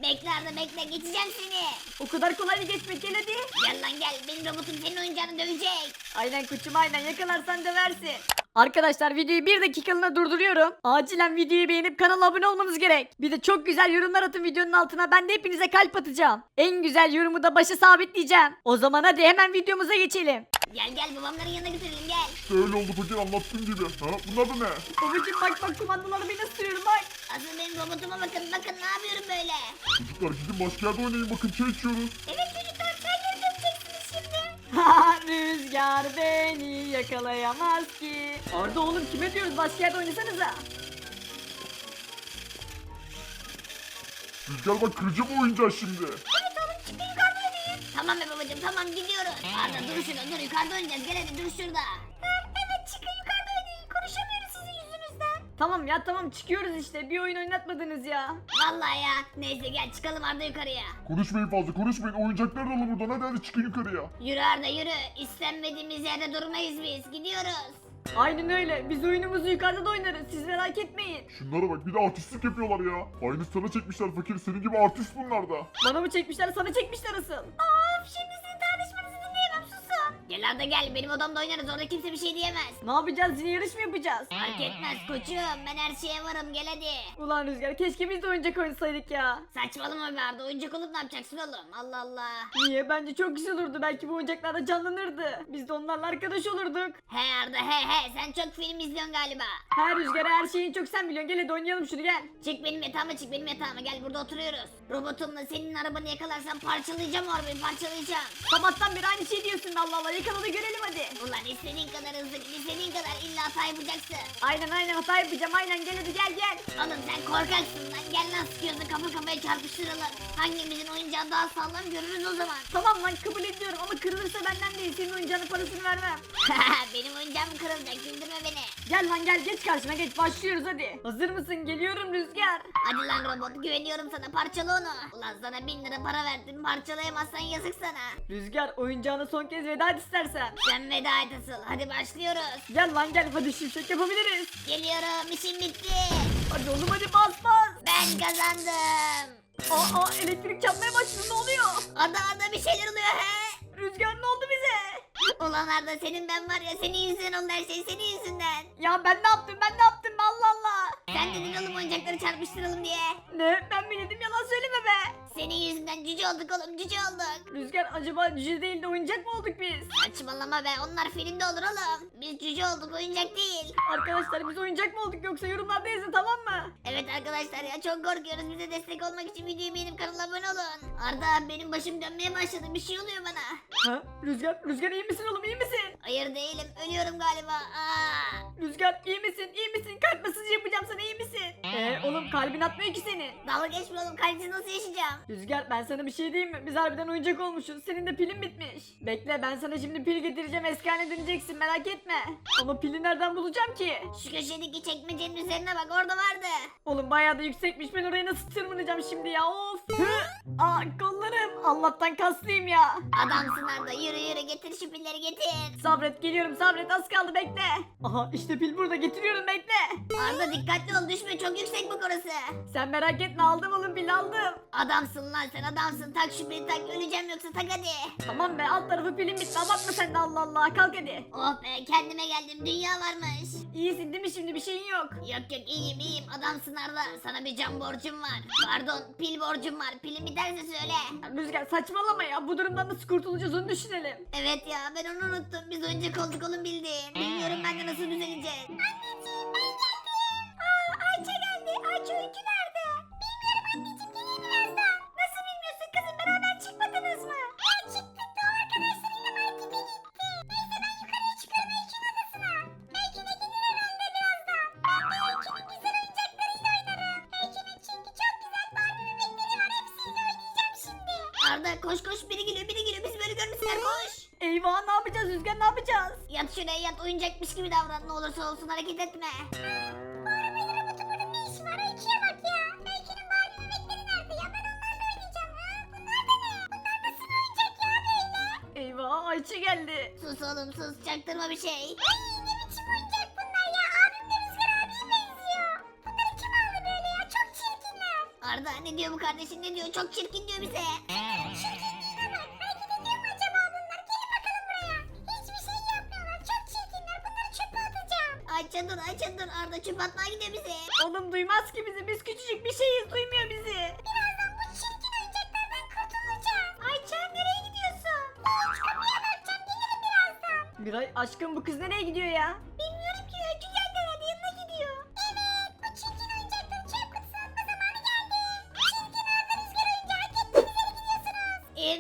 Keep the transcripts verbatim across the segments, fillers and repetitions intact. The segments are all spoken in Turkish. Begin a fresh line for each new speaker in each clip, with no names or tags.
Bekle Arda bekle, geçeceğim seni.
O kadar kolay mı geçmek, gel hadi.
Gel lan gel, benim robotum senin oyuncağını dövecek.
Aynen koçum aynen, yakalarsan döversin. Arkadaşlar videoyu bir dakikalığına durduruyorum. Acilen videoyu beğenip kanala abone olmanız gerek. Bir de çok güzel yorumlar atın videonun altına, ben de hepinize kalp atacağım. En güzel yorumu da başa sabitleyeceğim. O zaman hadi hemen videomuza geçelim.
Gel gel, babamların yanına götürelim gel.
Öyle oldu fakir, anlattığın gibi. Ha, bunlar da ne?
Babacım bak bak, kumandaları bir nasıl sürüyorum bak.
Asıl benim robotuma bakın, bakın ne yapıyorum böyle.
Çocuklar gidin başka yerde oynayın, bakın çay içiyoruz.
Evet çocuklar, çayları dökeceksiniz şimdi.
Ha, rüzgar beni yakalayamaz ki. Arda oğlum, kime diyoruz, başka yerde oynasanıza.
Rüzgar bak, kıracağım o oyuncağı şimdi.
Evet oğlum, çıkın yukarıda oynayın. Tamam be babacım, tamam gidiyoruz. Arda dur şurada, dur yukarıda oynayacağız, gel hadi dur şurada. Evet çıkın yukarıda oynayın, konuşamıyoruz sizin yüzünüzden.
Tamam ya tamam, çıkıyoruz işte, bir oyun oynatmadınız ya.
Vallahi ya, neyse gel çıkalım Arda yukarıya.
Konuşmayın fazla, konuşmayın. Oyuncakları da alın buradan. Hadi hadi çıkın yukarıya.
Yürü Arda yürü, istenmediğimiz yerde durmayız biz, gidiyoruz.
Aynen öyle, biz oyunumuzu yukarıda da oynarız, siz merak etmeyin.
Şunlara bak, bir de artistlik yapıyorlar ya. Aynı sana çekmişler fakir. Senin gibi artist bunlar da.
Bana mı çekmişler, sana çekmişler asıl.
Of, şimdi sizin tartışmanızı dinleyemem, susun. Gel Arda gel, benim odamda oynarız, orada kimse bir şey diyemez.
Ne yapacağız, yine yarış mı yapacağız?
Fark etmez koçum, ben her şeye varım, gel hadi.
Ulan Rüzgar, keşke biz de oyuncak oynasaydık ya.
Saçmalama be Arda, oyuncak olup ne yapacaksın oğlum, Allah Allah.
Niye? Bence çok güzel olurdu, belki bu oyuncaklar da canlanırdı. Biz de onlarla arkadaş olurduk.
He Arda he he, sen çok film izliyorsun galiba.
Her Rüzgar, her şeyi çok sen biliyorsun, gel hadi oynayalım şunu, gel.
Çık benim yatağıma, çık benim yatağıma, gel burada oturuyoruz. Robotumla senin arabanı yakalarsam parçalayacağım o arabayı, parçalayacağım.
Sabahtan beri aynı şey diyorsun, Allah Allah, yakala da görelim hadi.
Ulan istediğin kadar hızlı git, istediğin kadar illa hata yapacaksın.
Aynen aynen, hata yapacağım, aynen, gel hadi gel gel.
Oğlum sen korkaksın lan, gel lan sıkıyorsun, kafa kafaya çarpıştıralım. Hangimizin oyuncağı daha sağlam görürüz o zaman.
Tamam lan, kabul ediyorum ama kırılırsa benden değil, senin oyuncağının parasını vermem.
Benim oyuncağım kırılacak, güldürme beni.
Gel lan gel, geç karşıma geç, başlıyoruz hadi. Hazır mısın? Geliyorum Rüzgar.
Hadi lan robot, güveniyorum sana, parçala onu. Ulan sana bin lira para verdim, parçalayamazsan yazık sana.
Rüzgar, oyuncağına son kez veda et istersen.
Sen veda et asıl, hadi başlıyoruz.
Gel lan gel, hadi şimşek yapabiliriz.
Geliyorum, işim bitti.
Hadi oğlum hadi, bas bas.
Ben kazandım.
Aa, aa, elektrik çarpmaya başladı, ne oluyor?
Arda Arda bir şeyler oluyor he.
Rüzgar, ne oldu bize?
Ulan Arda, senin ben var ya, senin yüzünden oldu her şey, senin yüzünden.
Ya ben ne yaptım, ben ne yaptım, Allah Allah.
Sen dedin oğlum oyuncakları çarpıştıralım diye.
Ne, ben mi dedim, yalan söyleme be.
Senin yüzünden cüce olduk oğlum, cüce olduk.
Rüzgar, acaba cüce değil de oyuncak mı olduk biz?
Saçmalama be, onlar filmde olur oğlum. Biz cüce olduk, oyuncak değil.
Arkadaşlar, biz oyuncak mı olduk yoksa yorumlarda yazın, tamam mı?
Evet arkadaşlar ya, çok korkuyoruz, bize destek olmak için videoyu beğenip kanala abone olun. Arda, benim başım dönmeye başladı, bir şey oluyor bana.
Ha? Rüzgar, Rüzgar iyi misin oğlum, iyi misin?
Hayır değilim, ölüyorum galiba. Aa.
Rüzgar iyi misin, iyi misin? Kalp masajı yapacağım sana, iyi misin? Eee oğlum, kalbin atmıyor ki senin.
Dalga geçme oğlum, kalpsiz nasıl yaşayacağım?
Rüzgar, ben sana bir şey diyeyim mi? Biz harbiden oyuncak olmuşuz. Senin de pilin bitmiş. Bekle, ben sana şimdi pil getireceğim. Eski haline döneceksin, merak etme. Ama pili nereden bulacağım ki?
Şu köşedeki çekmecenin üzerine bak, orada vardı.
Oğlum bayağı da yüksekmiş. Ben oraya nasıl tırmanacağım şimdi ya? Of. Hı! Aa, kollarım. Allah'tan kaslıyım ya.
Adamsın Arda, yürü yürü, getir şu pilleri getir.
Sabret, geliyorum, sabret, az kaldı, bekle. Aha, işte pil burada, getiriyorum, bekle.
Arda dikkatli ol, düşme, çok yüksek bu orası.
Sen merak etme, aldım oğlum, pil aldım.
Adamsın lan sen, adamsın, tak şu pili tak, öleceğim yoksa tak hadi.
Tamam be, alt tarafı pilim bitti, abartma sen de, Allah Allah, kalk hadi.
Oh be, kendime geldim, dünya varmış.
İyisin değil mi, şimdi bir şeyin yok?
Yok yok, iyiyim iyiyim, adamsın Arda, sana bir can borcum var. Pardon, pil borcum var, pilin biterse söyle.
Rüzgar, saçmalama ya, bu durumdan nasıl kurtulacağız onu düşünelim.
Evet ya, ben onu unuttum, biz oyuncak olduk oğlum, bildiğin. Bilmiyorum ben de nasıl düzeleceğiz. Anneciğim, ben geldim. Aa, Ayça geldi, Ayça Öykü nerede? Bilmiyorum anneciğim, gelir birazdan. Nasıl bilmiyorsun kızım, beraber çıkmadınız mı? Ya çıktık da o arkadaşlarıyla markete gitti. Neyse ben yukarıya çıkıyorum Öykü'nün odasına. Belki de gelir herhalde birazdan. Ben de Öykü'nün güzel oyuncaklarıyla oynarım. Öykü'nün çünkü çok güzel Barbie bebekleri var, hepsiyle oynayacağım şimdi. Arda koş koş, biri geliyor biri geliyor, biz böyle görmüşler, koş.
Eyvah, ne yapacağız Rüzgar, ne yapacağız?
Yat şuraya yat, oyuncakmış gibi davran, ne olursa olsun hareket etme. Bu arabayla robotun burada ne işi var? Öykü'ye bak ya. Öykü'nün Barbie bebekleri nerede ya? Ben onlarla oynayacağım. Ha? Bunlar da ne? Bunlar nasıl bir oyuncak ya böyle?
Eyvah, Ayça geldi.
Sus oğlum sus, çaktırma bir şey.
Ay ne biçim oyuncak bunlar ya? Abimle Rüzgar abiye benziyor. Bunları kim aldı böyle ya? Çok çirkinler.
Arda ne Ne diyor bu kardeşim ne diyor? Çok çirkin diyor bize.
Şirkinliğine bak. Hareket ediyor mu acaba bunlar? Gelin bakalım buraya. Hiçbir şey yapmıyorlar. Çok çirkinler. Bunları çöpe atacağım.
Ayça dur Ayça dur Arda çöp atmaya gidiyor bize.
Oğlum duymaz ki bizi. Biz küçücük bir şeyiz. Duymuyor bizi.
Birazdan bu çirkin oyuncaklardan kurtulacağım.
Ayça nereye gidiyorsun?
Hiç kapıya bakacağım. Gelirim birazdan.
Miray aşkım bu kız nereye gidiyor ya?
Bilmiyorum ki Öykü geldi herhalde yanına gidiyor.
Evet. Bu çirkin oyuncakları çöp kutusuna atma zamanı geldi. Çirkin Arda Rüzgar oyuncağı gittiniz yere gidiyorsunuz.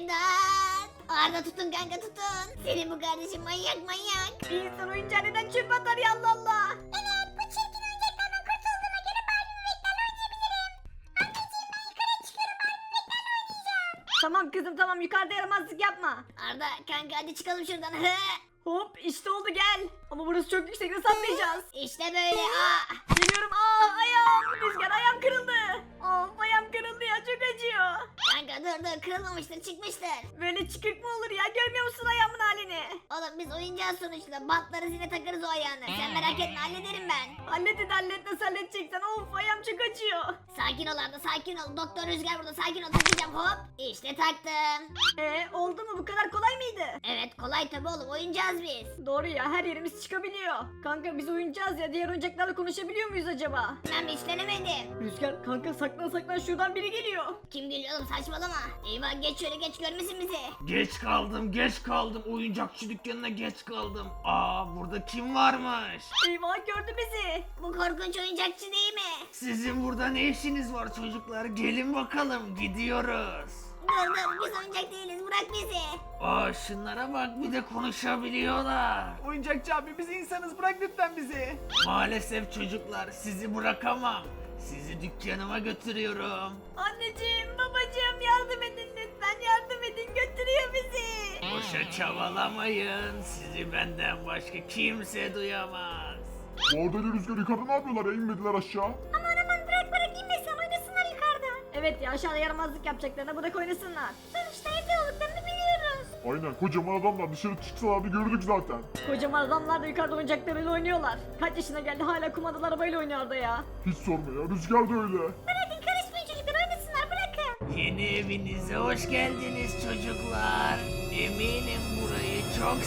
İmdat. Arda tutun kanka tutun. Senin bu kardeşin manyak manyak.
Bir insan oyuncağı neden çöpe atar ya Allah Allah.
Evet. Bu çirkin oyuncaklardan kurtulduğuma göre Barbie bebeklerle oynayabilirim. Anneciğim ben yukarı çıkıyorum. Barbie bebeklerle oynayacağım.
Tamam kızım tamam yukarıda yaramazlık yapma.
Arda kanka hadi çıkalım şuradan.
Hop işte oldu gel. Ama burası çok yüksek nasıl atlayacağız?
İşte böyle. Aa.
Geliyorum aa ayağım. Rüzgar ayağım kırıldı. Of ayağım kırıldı ya çok acıyor.
Kanka dur dur kırılmamıştır çıkmıştır.
Böyle çıkık mı olur ya görmüyor musun ayağımın halini?
Oğlum biz oyuncağız sonuçta. Bantları zile takarız o ayağını. Sen merak etme hallederim ben.
Hallet hadi hallet nasıl halledeceksen of ayağım çok acıyor.
Sakin ol Arda sakin ol. Doktor Rüzgar burada sakin ol takacağım hop. İşte taktım.
Ee oldu mu bu kadar kolay mıydı?
Evet kolay tabi oğlum oyuncağız biz.
Doğru ya her yerimiz çıkabiliyor. Kanka biz oyuncağız ya diğer oyuncaklarla konuşabiliyor muyuz acaba?
Ben hiç denemedim.
Rüzgar kanka saklan saklan şuradan biri geliyor.
Kim geliyor oğlum saçmalama. Eyvah geç şöyle geç görmesin bizi.
Geç kaldım, geç kaldım. Oyuncakçı dükkanına geç kaldım. Aa, burada kim varmış?
Eyvah gördü bizi.
Bu korkunç oyuncakçı değil mi?
Sizin burada ne işiniz var çocuklar? Gelin bakalım, gidiyoruz.
Dur dur biz oyuncak değiliz bırak bizi.
Aa, şunlara bak, bir de konuşabiliyorlar.
Oyuncakçı abi biz insanız bırak lütfen bizi.
Maalesef çocuklar, sizi bırakamam. Sizi dükkanıma götürüyorum.
Anneciğim babacığım yardım edin lütfen yardım edin götürüyor bizi.
Boşa çabalamayın. Sizi benden başka kimse duyamaz.
Bu Arda ile Rüzgar yukarıda ne yapıyorlar ya? İnmediler aşağı.
Aman aman bırak bırak inmesin oynasınlar yukarıda.
Evet ya aşağıda yaramazlık yapacaklarına bırak oynasınlar.
Sonuçta evde olduklarını biliyoruz.
Aynen kocaman adamlar dışarı çıksalardı gördük zaten.
Kocaman adamlar da yukarıda oyuncaklarıyla oynuyorlar. Kaç yaşına geldi hala kumandalı arabayla oynuyor Arda ya.
Hiç sorma ya Rüzgar da öyle.
Bırakın karışmayın çocuklar oynasınlar bırakın.
Yeni evinize hoş geldiniz çocuklar. Eminim burayı çok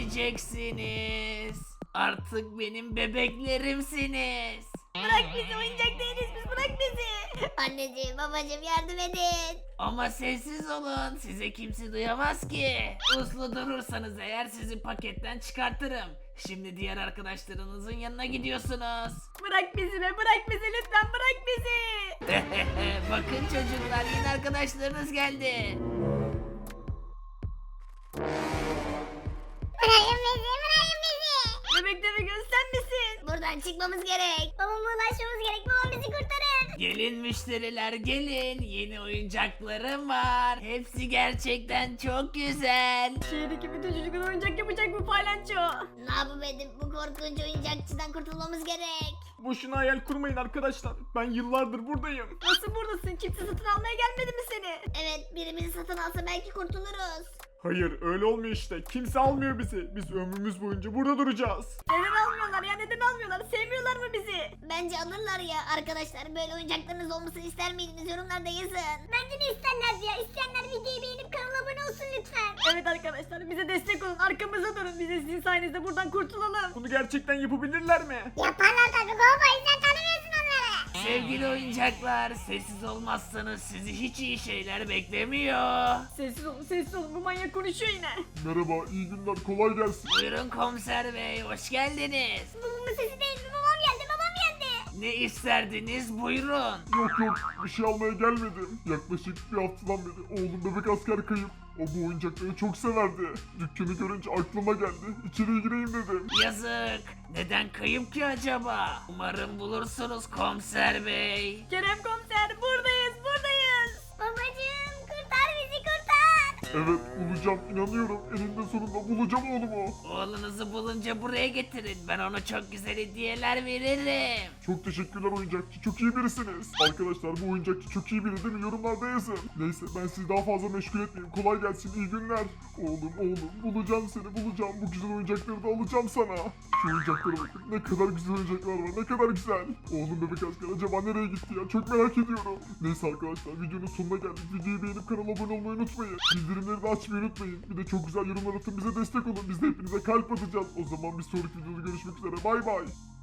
seveceksiniz. Artık benim bebeklerimsiniz.
Bırak bizi oyuncak değiliz biz bırak bizi.
Anneciğim babacığım yardım edin.
Ama sessiz olun, size kimse duyamaz ki. Uslu durursanız eğer sizi paketten çıkartırım. Şimdi diğer arkadaşlarınızın yanına gidiyorsunuz.
Bırak bizi be bırak bizi lütfen bırak bizi.
Bakın çocuklar, yeni arkadaşlarınız geldi.
Bırakın bizi bırakın bizi.
Bebek deve göz sen misin?
Buradan çıkmamız gerek.
Babama ulaşmamız gerek babam bizi kurtarır.
Gelin müşteriler gelin, yeni oyuncaklarım var. Hepsi gerçekten çok güzel.
Şehirdeki bütün çocuklar oyuncak yapacak bu paylanço.
Ne yapıp edip bu korkunç oyuncakçıdan kurtulmamız gerek.
Boşuna hayal kurmayın arkadaşlar. Ben yıllardır buradayım.
Nasıl buradasın kimse satın almaya gelmedi mi seni?
Evet biri bizi satın alsa belki kurtuluruz.
Hayır öyle olmuyor işte. Kimse almıyor bizi. Biz ömrümüz boyunca burada duracağız.
Neden almıyorlar ya neden almıyorlar sevmiyorlar mı bizi?
Bence alırlar ya arkadaşlar böyle oyuncaklarınız olmasını ister miydiniz yorumlarda yazın.
Bence de isterler ya. İsteyenler videoyu beğenip kanala abone olsun lütfen.
Evet arkadaşlar bize destek olun arkamıza durun biz de sizin sayenizde buradan kurtulalım.
Bunu gerçekten yapabilirler mi?
Yaparlar tabii baba sen tanımıyorsun onları.
Sevgili oyuncaklar, sessiz olmazsanız sizi hiç iyi şeyler beklemiyor.
Sessiz olun sessiz olun bu manyak konuşuyor yine.
Merhaba iyi günler kolay gelsin.
Buyurun komiser bey, hoş geldiniz.
Babamın sesi değil mi? Babam geldi babam geldi.
Ne isterdiniz, buyurun.
Yok yok bir şey almaya gelmedim. Yaklaşık bir haftadan beri oğlum bebek asker kayıp. O bu oyuncakları çok severdi. Dükkanı görünce aklıma geldi. İçeriye gireyim dedim.
Yazık. Neden kayıp ki acaba? Umarım bulursunuz komiser bey.
Kerem komiser buradayız buradayız.
Babacığım kurtar bizi kurtar.
Evet bulacağım inanıyorum. Eninde sonunda bulacağım oğlumu.
Oğlunuzu bulunca buraya getirin. Ben ona çok güzel hediyeler veririm.
Çok teşekkürler oyuncakçı. Çok iyi birisiniz. Arkadaşlar bu oyuncakçı çok iyi biri değil mi? Yorumlarda yazın. Neyse ben sizi daha fazla meşgul etmeyeyim. Kolay gelsin. İyi günler. Oğlum oğlum bulacağım seni bulacağım. Bu güzel oyuncakları da alacağım sana. Şu oyuncaklara bakın. Ne kadar güzel oyuncaklar var. Ne kadar güzel. Oğlum bebek asker acaba nereye gitti ya? Çok merak ediyorum. Neyse arkadaşlar videonun sonuna geldik. Videoyu beğenip kanala abone olmayı unutmayın. Bildirimleri de açmayı unutmayın. Bir de çok güzel yorumlar atın bize destek olun. Biz de hepinize kalp atacağız. O zaman bir sonraki videoda görüşmek üzere. Bay bay.